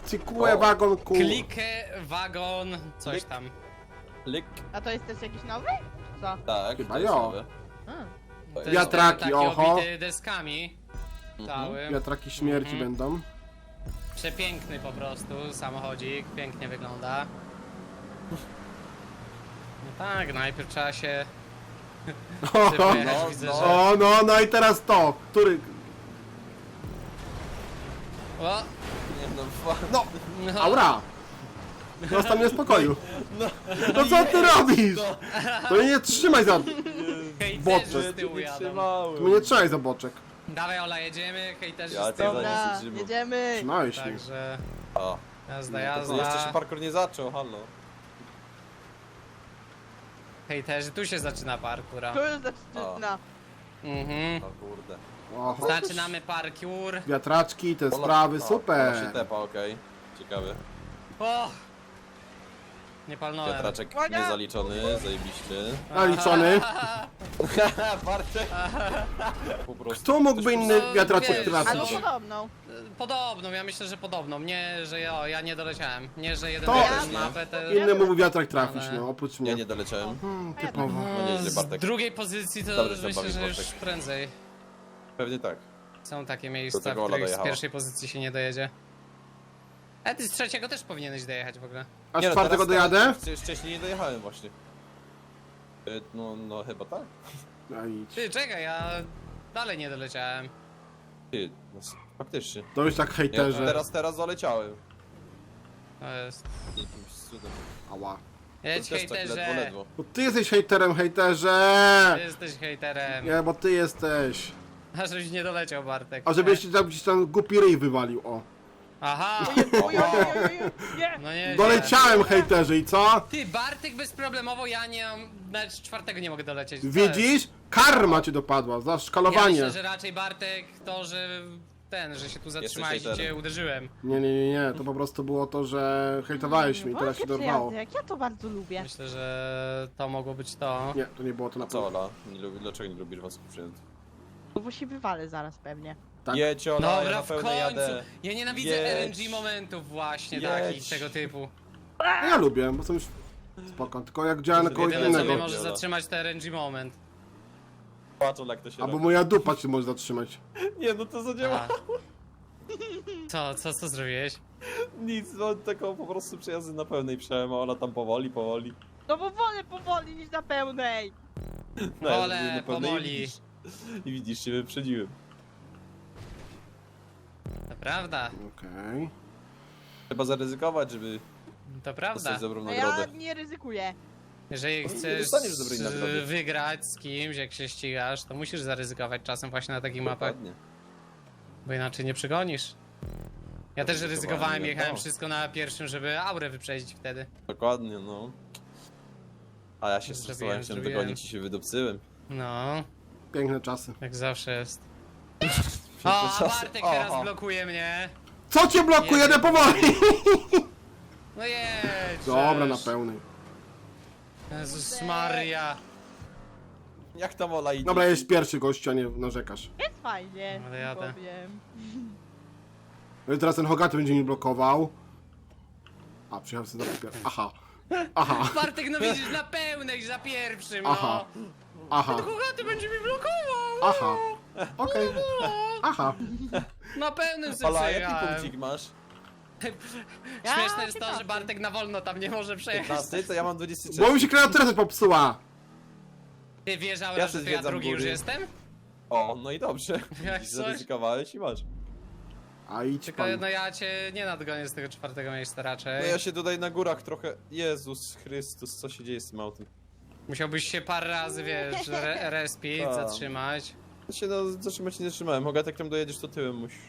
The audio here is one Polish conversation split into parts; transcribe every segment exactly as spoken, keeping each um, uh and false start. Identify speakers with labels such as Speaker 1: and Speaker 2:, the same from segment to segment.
Speaker 1: Cykłe
Speaker 2: O.
Speaker 1: wagon ku.
Speaker 3: Klikę, wagon, coś
Speaker 2: Klik.
Speaker 3: tam.
Speaker 2: Klik.
Speaker 4: A to jest też jakiś nowy? Co?
Speaker 2: Tak,
Speaker 1: Chyba
Speaker 2: to jest
Speaker 1: jo.
Speaker 2: nowe.
Speaker 4: Hmm.
Speaker 2: To jest
Speaker 1: Wiatraki,
Speaker 3: taki
Speaker 1: oho.
Speaker 3: obity deskami. Cały.
Speaker 1: Wiatraki śmierci
Speaker 3: Mhm.
Speaker 1: będą.
Speaker 3: Przepiękny po prostu samochodzik, pięknie wygląda. No tak, najpierw trzeba się
Speaker 1: O,
Speaker 3: przypojechać,
Speaker 2: no,
Speaker 3: widzę,
Speaker 2: no.
Speaker 3: że...
Speaker 1: o, no, no i teraz to. Który?
Speaker 3: O,
Speaker 2: Nie no, fa-
Speaker 1: No,
Speaker 3: no.
Speaker 1: aura. Zostaw mnie w spokoju. No co ty robisz? To mnie nie trzymaj za...
Speaker 3: Hejterzy
Speaker 1: boczek.
Speaker 3: z tyłu
Speaker 2: nie
Speaker 3: jadą.
Speaker 2: trzymałem.
Speaker 1: Mnie nie trzymaj za boczek.
Speaker 3: Dawaj Ola, jedziemy, hejterzy
Speaker 2: Ja
Speaker 3: z
Speaker 2: cię
Speaker 3: tyłu.
Speaker 2: za-
Speaker 4: Dobra,
Speaker 2: się trzymał.
Speaker 4: jedziemy.
Speaker 1: Trzymałeś mnie.
Speaker 3: Także
Speaker 2: O,
Speaker 3: jazda,
Speaker 2: to jeszcze się
Speaker 3: jazda.
Speaker 2: parkour nie zaczął, halo.
Speaker 3: Hejterzy, tu się zaczyna parkura.
Speaker 4: Tu już zaczyna.
Speaker 3: Mhm.
Speaker 2: O kurde.
Speaker 1: Oho.
Speaker 3: Zaczynamy parkour.
Speaker 1: Wiatraczki, te
Speaker 2: Ola-
Speaker 1: sprawy,
Speaker 2: o, Ola się
Speaker 1: super.
Speaker 2: tepa, okej. Ciekawe.
Speaker 3: O! Nie palnąłem.
Speaker 2: Wiatraczek
Speaker 4: Uwaga!
Speaker 2: niezaliczony, zajebiście.
Speaker 1: Naliczony.
Speaker 2: Bartek! Po prostu.
Speaker 1: Kto mógłby inny
Speaker 3: No,
Speaker 1: wiatraczek
Speaker 3: wiesz,
Speaker 1: trafić?
Speaker 4: Albo
Speaker 3: co?
Speaker 4: podobną.
Speaker 3: Podobną, ja myślę, że podobną. Nie, że ja, ja nie doleciałem. Nie, że jeden
Speaker 1: To-
Speaker 3: wiatr mapę, to...
Speaker 1: Inny mógłby wiatrak trafić,
Speaker 3: Ale-
Speaker 1: no, oprócz
Speaker 2: Ja
Speaker 1: mnie.
Speaker 2: nie doleciałem.
Speaker 1: Hmm, typowo.
Speaker 2: No nieźle,
Speaker 3: z
Speaker 2: Bartek.
Speaker 3: drugiej pozycji to
Speaker 2: Dobrze się
Speaker 3: myślę,
Speaker 2: bawisz,
Speaker 3: że już
Speaker 2: Bartek.
Speaker 3: prędzej.
Speaker 2: Pewnie tak.
Speaker 3: Są takie
Speaker 2: Do
Speaker 3: miejsca,
Speaker 2: tego
Speaker 3: w
Speaker 2: Ola
Speaker 3: których z
Speaker 2: dojechała.
Speaker 3: pierwszej pozycji się nie dojedzie. A ty z trzeciego też powinieneś dojechać w ogóle.
Speaker 1: A z
Speaker 2: Nie, no,
Speaker 1: czwartego
Speaker 2: teraz-
Speaker 1: dojadę?
Speaker 2: teraz Wcześniej nie dojechałem właśnie. Y, No, no chyba tak.
Speaker 1: No idź.
Speaker 3: Ty, czekaj, ja dalej nie doleciałem.
Speaker 2: Ty, no, s- faktycznie.
Speaker 1: To już tak
Speaker 2: Ja
Speaker 1: hejterzy.
Speaker 2: teraz, teraz doleciałem.
Speaker 3: To jest...
Speaker 2: Jakimś cudem.
Speaker 1: Ała.
Speaker 3: Jedź
Speaker 2: To też tak ledwo,
Speaker 3: hejterze!
Speaker 2: ledwo.
Speaker 1: Bo ty jesteś hejterem, hejterze!
Speaker 3: Ty jesteś hejterem.
Speaker 1: Nie, bo ty jesteś.
Speaker 3: A żebyś nie doleciał, Bartek.
Speaker 1: A żebyś ci tam gdzieś tam głupi ryj wywalił, o.
Speaker 3: Aha!
Speaker 4: Oj, oj, oj, oj, oj. Nie.
Speaker 3: No nie.
Speaker 1: Doleciałem, hejterzy, i co?
Speaker 3: Ty, Bartek bezproblemowo, ja nie mam... Nawet czwartego nie mogę dolecieć. Co jest?
Speaker 1: Widzisz? Karma cię dopadła, za
Speaker 3: Ja
Speaker 1: szkalowanie.
Speaker 3: myślę, że raczej Bartek to, że ten, że się tu zatrzymałeś i cię
Speaker 2: hejterem.
Speaker 3: uderzyłem.
Speaker 1: Nie, nie, nie, nie, to po prostu było to, że hejtowałeś mnie i teraz się
Speaker 4: Wątpię,
Speaker 1: dorwało.
Speaker 4: przyjazdy, Jak ja to bardzo lubię.
Speaker 3: Myślę, że to mogło być to.
Speaker 1: Nie, to nie było to na
Speaker 2: A co
Speaker 1: pewno.
Speaker 2: Ola? Nie lubi, dlaczego nie lubisz wąskich przyjętych?
Speaker 4: No bo się wywalę zaraz pewnie.
Speaker 1: Tak.
Speaker 2: Jedź Ola, ja
Speaker 3: Dobra,
Speaker 2: na
Speaker 3: w
Speaker 2: pełne
Speaker 3: końcu!
Speaker 2: jadę.
Speaker 3: Ja nienawidzę
Speaker 2: Jedź.
Speaker 3: R N G momentów właśnie
Speaker 2: Jedź.
Speaker 3: takich, tego typu.
Speaker 1: No ja lubię, bo są już spoko, tylko jak działa na kogoś
Speaker 3: Jedyne co mnie
Speaker 1: innego.
Speaker 3: może
Speaker 2: Dobra.
Speaker 3: zatrzymać to R N G moment.
Speaker 2: Patrz Ola, jak to się
Speaker 1: Albo
Speaker 2: robi.
Speaker 1: moja dupa cię może zatrzymać.
Speaker 2: Nie, no to zadziała.
Speaker 3: A. Co, co, co zrobiłeś?
Speaker 2: Nic, no taką po prostu przejazdy na pełnej przejęła, a Ola tam powoli, powoli.
Speaker 4: No bo wolę powoli niż na pełnej.
Speaker 2: No, ja
Speaker 3: Wolę,
Speaker 2: zrobiłem na pełnej
Speaker 3: powoli.
Speaker 2: I widzisz, i widzisz, się wyprzedziłem.
Speaker 3: To prawda,
Speaker 1: Okej.
Speaker 2: Trzeba zaryzykować, żeby
Speaker 3: to prawda.
Speaker 2: dostać dobrą
Speaker 4: No ja
Speaker 2: nagrodę.
Speaker 4: nie ryzykuję.
Speaker 3: Jeżeli
Speaker 2: nie
Speaker 3: chcesz
Speaker 2: dostaniesz dobrej
Speaker 3: z-
Speaker 2: nagrody.
Speaker 3: wygrać z kimś, jak się ścigasz, to musisz zaryzykować czasem właśnie na takich mapach,
Speaker 2: Dokładnie.
Speaker 3: bo inaczej nie przegonisz. Ja też
Speaker 2: Ryzykowałem,
Speaker 3: ryzykowałem,
Speaker 2: nie
Speaker 3: jechałem
Speaker 2: dało.
Speaker 3: wszystko na pierwszym, żeby aurę wyprzedzić wtedy.
Speaker 2: Dokładnie, no. A ja się
Speaker 3: Zrobiłem,
Speaker 2: stresowałem, chciałem
Speaker 3: zrobiłem.
Speaker 2: dogonić i się wydupcyłem.
Speaker 3: No,
Speaker 1: Piękne czasy.
Speaker 3: jak zawsze jest. O, a
Speaker 2: czasy.
Speaker 3: Bartek teraz
Speaker 2: Aha.
Speaker 3: blokuje mnie.
Speaker 1: Co cię blokuje? Jedę powoli!
Speaker 3: No jedź!
Speaker 1: Dobra, na
Speaker 3: żeż.
Speaker 1: pełnej.
Speaker 3: Jezus Maria.
Speaker 2: Jak tam Ola idzie?
Speaker 1: Dobra, jest pierwszy gościu, a nie narzekasz.
Speaker 4: Jest fajnie.
Speaker 3: Ale jadę.
Speaker 4: powiem.
Speaker 1: No i teraz ten Hogaty będzie mi blokował. A, przyjechałem sobie za pierwszy. Aha. Aha.
Speaker 3: Bartek, no widzisz, na pełnej, za pierwszym, no.
Speaker 1: Aha. Aha.
Speaker 3: Kogaty będzie mi blokował.
Speaker 1: Aha. Okej. Aha.
Speaker 3: Na pełnym sobie
Speaker 2: Ola, jaki
Speaker 3: przejechałem.
Speaker 2: punkcik masz?
Speaker 4: Ja
Speaker 3: Śmieszne jest to, że
Speaker 4: piętnasty.
Speaker 3: Bartek na wolno tam nie może przejechać.
Speaker 2: piętnasty, to ja mam dwudziesty
Speaker 1: Bo
Speaker 2: trzeci.
Speaker 1: mi się kreatura coś popsuła.
Speaker 3: Ty wiesz, Aura,
Speaker 2: Ja
Speaker 3: że to ja
Speaker 2: zwiedzam
Speaker 3: drugi już
Speaker 2: góry.
Speaker 3: jestem?
Speaker 2: O, no i dobrze.
Speaker 3: Jak
Speaker 2: Widzisz,
Speaker 3: coś.
Speaker 2: zaryzykowałeś i masz.
Speaker 1: A idź
Speaker 3: Tylko
Speaker 1: pan.
Speaker 3: no ja cię nie nadgonię z tego czwartego miejsca
Speaker 2: No
Speaker 3: raczej.
Speaker 2: ja się tutaj na górach trochę... Jezus Chrystus, co się dzieje z tym autem?
Speaker 3: Musiałbyś się parę razy, wiesz, re respić,
Speaker 2: Tak.
Speaker 3: zatrzymać.
Speaker 2: Ja się no, zatrzymać nie zatrzymałem. Hogatek tam dojedziesz, to tyłem musisz.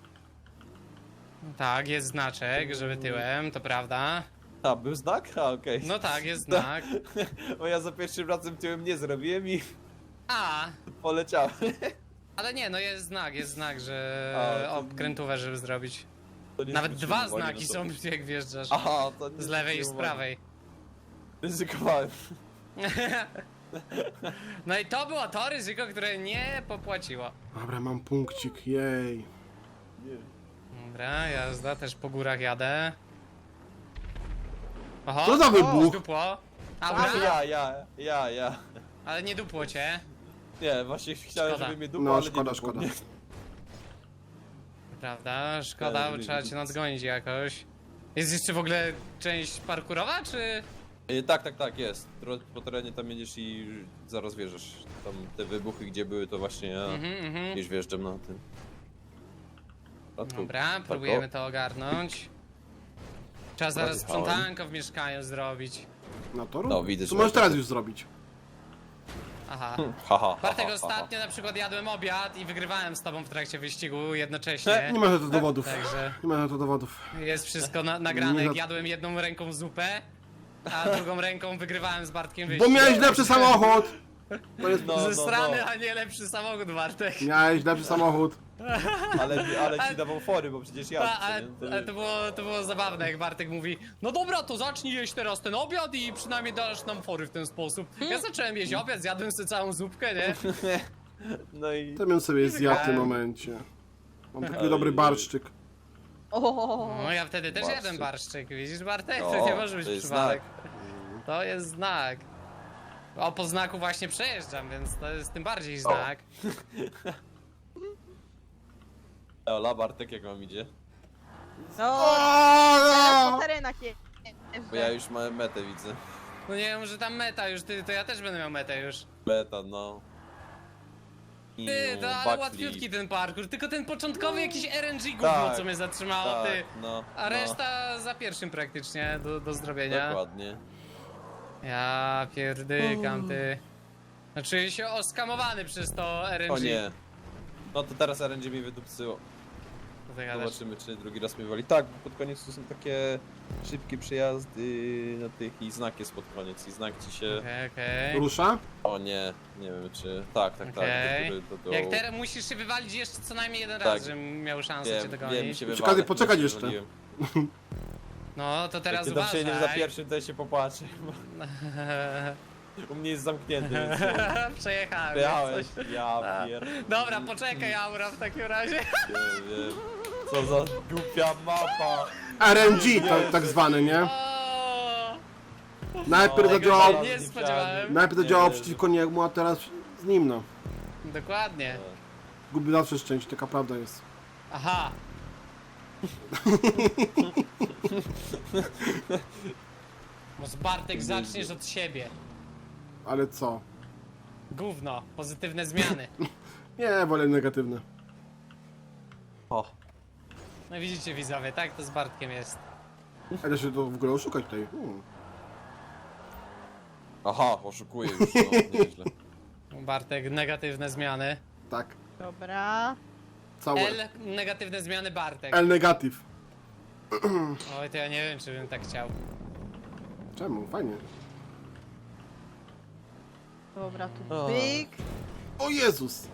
Speaker 3: Tak, jest znaczek, żeby tyłem, to prawda.
Speaker 2: A, był znak? A, okej.
Speaker 3: No tak, jest znak.
Speaker 2: Bo ja za pierwszym razem tyłem nie zrobiłem i
Speaker 3: A,
Speaker 2: poleciałem.
Speaker 3: ale nie, no jest znak, jest znak, że
Speaker 2: A, to-
Speaker 3: obkrętówę, żeby zrobić.
Speaker 2: To nie
Speaker 3: Nawet
Speaker 2: zwróciłem
Speaker 3: dwa
Speaker 2: uwagi
Speaker 3: znaki
Speaker 2: na to.
Speaker 3: są, jak wjeżdżasz.
Speaker 2: Aha, to nie
Speaker 3: Z lewej i z
Speaker 2: zwróciłem uwagi.
Speaker 3: prawej.
Speaker 2: Ryzykowałem.
Speaker 3: No i to było to ryzyko, które nie popłaciło.
Speaker 1: Dobra, mam punkcik, jej.
Speaker 2: Nie.
Speaker 3: Dobra, jazda, też po górach jadę. Oho,
Speaker 1: Co za wybuch?
Speaker 3: dupło.
Speaker 2: A,
Speaker 3: Aura,
Speaker 2: ja, ja, ja, ja.
Speaker 3: ale nie dupło cię.
Speaker 2: Nie, właśnie chciałem,
Speaker 3: Szkoda.
Speaker 2: żeby mnie dupło,
Speaker 1: No,
Speaker 2: ale
Speaker 1: szkoda,
Speaker 2: nie dupło
Speaker 1: szkoda.
Speaker 2: mnie.
Speaker 3: Prawda, szkoda, bo
Speaker 2: Nie,
Speaker 3: trzeba
Speaker 2: nie,
Speaker 3: cię
Speaker 2: nie.
Speaker 3: nadgonić jakoś. Jest jeszcze w ogóle część parkurowa, czy...
Speaker 2: E, Tak, tak, tak, jest. Tro- Po terenie tam jedziesz i zaraz wjeżdżasz. Tam te wybuchy, gdzie były, to właśnie ja
Speaker 3: Mhm, mhm.
Speaker 2: gdzieś wjeżdżam na tym. A tu
Speaker 3: Dobra,
Speaker 2: parko-
Speaker 3: próbujemy to ogarnąć. Trzeba zaraz
Speaker 2: Odjechałem.
Speaker 3: sprzątanko w mieszkaniu zrobić.
Speaker 1: No to rób.
Speaker 2: No, widzę,
Speaker 1: To
Speaker 2: że
Speaker 1: możesz
Speaker 2: tak.
Speaker 1: teraz już zrobić.
Speaker 3: Aha.
Speaker 2: Ha, ha, ha,
Speaker 3: Bartek,
Speaker 2: ha, ha.
Speaker 3: ostatnio na przykład jadłem obiad i wygrywałem z tobą w trakcie wyścigu
Speaker 1: Nie
Speaker 3: jednocześnie.
Speaker 1: ma na to dowodów.
Speaker 3: Także
Speaker 1: Nie ma na to dowodów.
Speaker 3: jest wszystko na nagrane,
Speaker 1: Nie
Speaker 3: jak
Speaker 1: za-
Speaker 3: jadłem jedną ręką zupę, a drugą ręką wygrywałem z Bartkiem
Speaker 1: Bo
Speaker 3: wyścig.
Speaker 1: miałeś lepszy samochód! To jest...
Speaker 2: No,
Speaker 3: Ze
Speaker 2: no,
Speaker 3: strony,
Speaker 2: no.
Speaker 3: a nie lepszy samochód, Bartek.
Speaker 1: Miałeś lepszy samochód.
Speaker 2: Ale, ale ci dawał fory, bo przecież
Speaker 3: Ta,
Speaker 2: ja.
Speaker 3: ale, ale to, było, to było zabawne, jak Bartek mówi: no dobra, to zacznij jeść teraz ten obiad i przynajmniej dasz nam fory w ten sposób. Ja zacząłem jeść obiad, zjadłem sobie całą zupkę, nie?
Speaker 2: No i...
Speaker 1: To bym sobie zjadł w tym momencie. Mam taki dobry barszczyk.
Speaker 4: O,
Speaker 3: No ja wtedy też
Speaker 2: Barszczyk.
Speaker 3: jadłem barszczyk, widzisz Bartek? To
Speaker 2: O,
Speaker 3: nie może być
Speaker 2: to jest
Speaker 3: przypadek. To jest znak. O, po znaku właśnie przejeżdżam, więc to jest tym bardziej znak.
Speaker 2: Ola, Bartek, jak wam idzie?
Speaker 4: no,
Speaker 1: O,
Speaker 4: teraz po
Speaker 1: no!
Speaker 4: terenach je...
Speaker 2: Bo ja już mam metę, widzę.
Speaker 3: No nie wiem, że tam meta już, ty, to ja też będę miał metę już.
Speaker 2: Meta, no. I
Speaker 3: Ty, to ale
Speaker 2: backflip.
Speaker 3: łatwiutki ten parkour, tylko ten początkowy jakiś R N G gówno,
Speaker 2: Tak,
Speaker 3: co mnie zatrzymało,
Speaker 2: Tak,
Speaker 3: ty.
Speaker 2: no.
Speaker 3: A
Speaker 2: no,
Speaker 3: reszta za pierwszym praktycznie do, do zrobienia.
Speaker 2: Dokładnie.
Speaker 3: Ja pierdykam, ty. No czuję się oskamowany przez to R N G.
Speaker 2: O nie. No to teraz R N G mi wydupcyło.
Speaker 3: Co ty gadasz?
Speaker 2: Zobaczymy, czy drugi raz mnie wali. Tak, bo pod koniec to są takie szybkie przejazdy na tych i znak jest pod koniec i znak ci się...
Speaker 3: Okej, okej.
Speaker 1: Rusza?
Speaker 2: O nie, nie wiem czy... Tak, tak,
Speaker 3: Okej.
Speaker 2: tak. Do, góry, do, do...
Speaker 3: Jak teraz musisz się wywalić jeszcze co najmniej jeden
Speaker 2: Tak.
Speaker 3: raz, żebym miał szansę cię
Speaker 2: Wiem,
Speaker 3: dogonić.
Speaker 2: wiem, się
Speaker 1: Czekaj,
Speaker 2: wywalę,
Speaker 1: poczekać
Speaker 2: się
Speaker 1: jeszcze.
Speaker 2: wywaliłem.
Speaker 3: No to teraz
Speaker 2: Jak nie
Speaker 3: uważaj.
Speaker 2: przyjedziesz za pierwszym, to ja się popłaczę. U mnie jest zamknięty, więc...
Speaker 3: Przejechałem.
Speaker 2: Przyjechałeś.
Speaker 3: coś.
Speaker 2: Ja
Speaker 3: Tak.
Speaker 2: pier...
Speaker 3: Dobra, poczekaj Aura w takim razie.
Speaker 2: Nie wiem. Co za głupia mapa.
Speaker 1: R N G to tak zwany, nie?
Speaker 3: O,
Speaker 1: Najpierw
Speaker 2: Tego
Speaker 1: zadziałał,
Speaker 3: się nie spodziewałem.
Speaker 1: najpierw
Speaker 2: Nie
Speaker 1: zadziałał
Speaker 2: wierzę.
Speaker 1: przeciwko niemu, a teraz z nim, no.
Speaker 3: Dokładnie.
Speaker 1: Gubi zawsze szczęście, taka prawda jest.
Speaker 3: Aha. Może Bartek zaczniesz od siebie.
Speaker 1: Ale co?
Speaker 3: Gówno, pozytywne zmiany.
Speaker 1: Nie, wolę negatywne.
Speaker 2: O.
Speaker 3: No widzicie widzowie, tak to z Bartkiem jest.
Speaker 1: A da się to w ogóle oszukać tutaj. Hmm.
Speaker 2: Aha, oszukuję już, no, nieźle.
Speaker 3: Bartek, negatywne zmiany.
Speaker 1: Tak,
Speaker 4: Dobra.
Speaker 1: całe.
Speaker 3: L, negatywne zmiany Bartek.
Speaker 1: L negatyw.
Speaker 3: Oj, to ja nie wiem, czy bym tak chciał.
Speaker 1: Czemu? Fajnie.
Speaker 4: Dobra, tu
Speaker 2: O.
Speaker 4: byk.
Speaker 1: O Jezus!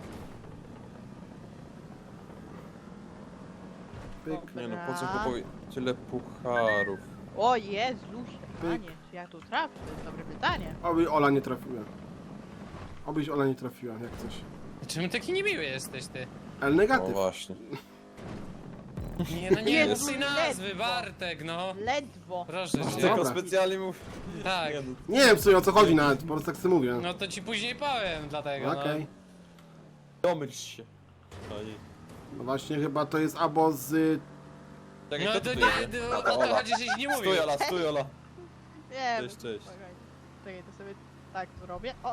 Speaker 1: Pyk.
Speaker 2: Nie no, po co
Speaker 4: Dobra.
Speaker 2: kupuj tyle pucharów?
Speaker 4: O Jezusie,
Speaker 1: Pyk.
Speaker 4: panie, czy ja tu trafię? To jest dobre pytanie.
Speaker 1: Oby Ola nie trafiła. Obyś Ola nie trafiła, jak coś.
Speaker 3: Czemu taki niemiły jesteś ty?
Speaker 1: L
Speaker 2: O
Speaker 1: negatyw.
Speaker 2: właśnie.
Speaker 3: Nie no nie
Speaker 4: Jezu,
Speaker 3: mów tej nazwy,
Speaker 4: ledwo.
Speaker 3: Bartek, no.
Speaker 4: Ledwo.
Speaker 3: Proszę
Speaker 1: Dobra.
Speaker 3: cię.
Speaker 2: Tylko specjalnie mów...
Speaker 3: Tak.
Speaker 2: Nie, no,
Speaker 1: Nie wiem w sumie o co chodzi nawet, po prostu tak sobie mówię.
Speaker 3: No to ci później powiem, dlatego
Speaker 1: Okej.
Speaker 2: domyśl się. No, nie.
Speaker 1: No właśnie chyba to jest albo z...
Speaker 3: no.
Speaker 2: Czekaj,
Speaker 3: No
Speaker 2: kto
Speaker 3: to
Speaker 2: tu
Speaker 3: nie,
Speaker 2: jedzie?
Speaker 3: no, o to
Speaker 2: Ola.
Speaker 3: chodzi, żeś nie mówił.
Speaker 2: Stój Ola, stój Ola.
Speaker 4: Nie
Speaker 2: Cześć, cześć.
Speaker 4: Czekaj, czekaj, to sobie tak zrobię. O,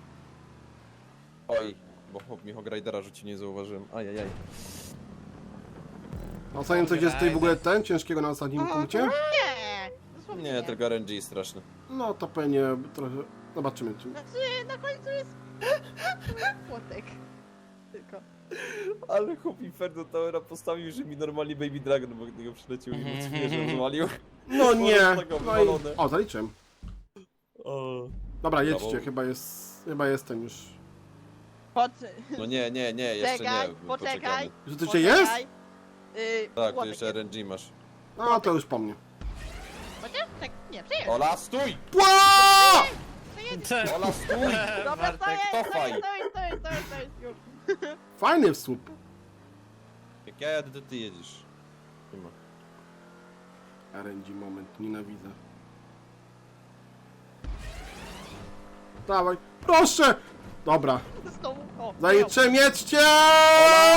Speaker 2: Oj, bo chłop mi Hogridera rzuci, nie zauważyłem. Ajajaj.
Speaker 1: A ostatnio coś jest tutaj w ogóle ten, ciężkiego na ostatnim punkcie?
Speaker 4: nie! Dosłownie
Speaker 2: Nie, tylko R N G straszny.
Speaker 1: No to pewnie trochę... Zobaczymy. Czy...
Speaker 4: Znaczy, na końcu jest... Płotek. Tylko.
Speaker 2: Ale chłop Inferno Towera postawił, że mi normalnie Baby Dragon obok niego przyleciał i mu zwierzę rozwalił.
Speaker 1: No nie!
Speaker 2: Tego
Speaker 1: No i...
Speaker 2: wywalone.
Speaker 1: O, zaliczyłem.
Speaker 2: O.
Speaker 1: Dobra, jedźcie,
Speaker 2: Brawo.
Speaker 1: chyba jest... Chyba jestem już.
Speaker 4: Pod...
Speaker 2: No nie, nie, nie, jeszcze
Speaker 4: Czekaj,
Speaker 2: nie.
Speaker 4: poczekaj.
Speaker 2: poczekamy.
Speaker 1: Że to jeszcze jest?
Speaker 4: Poczekaj. Yy,
Speaker 2: Tak, to
Speaker 4: płotek
Speaker 2: jeszcze
Speaker 4: jest.
Speaker 2: R N G masz.
Speaker 1: No to już po mnie.
Speaker 4: Chociaż? Tak, nie, przejedź.
Speaker 2: Ola, stój!
Speaker 1: Pła!
Speaker 2: Ola, stój!
Speaker 4: Dobra,
Speaker 3: Bartek,
Speaker 4: to jest, to
Speaker 2: cofaj.
Speaker 4: jest, to jest, to jest, to jest, to jest, już.
Speaker 1: Fajny w słup.
Speaker 2: Jak ja jadę, to ty jedziesz. ma.
Speaker 1: R N G moment, nienawidzę. Dawaj, proszę! Dobra,
Speaker 4: Znowu. O,
Speaker 1: zajetrzę, mieczcie!
Speaker 2: Ola!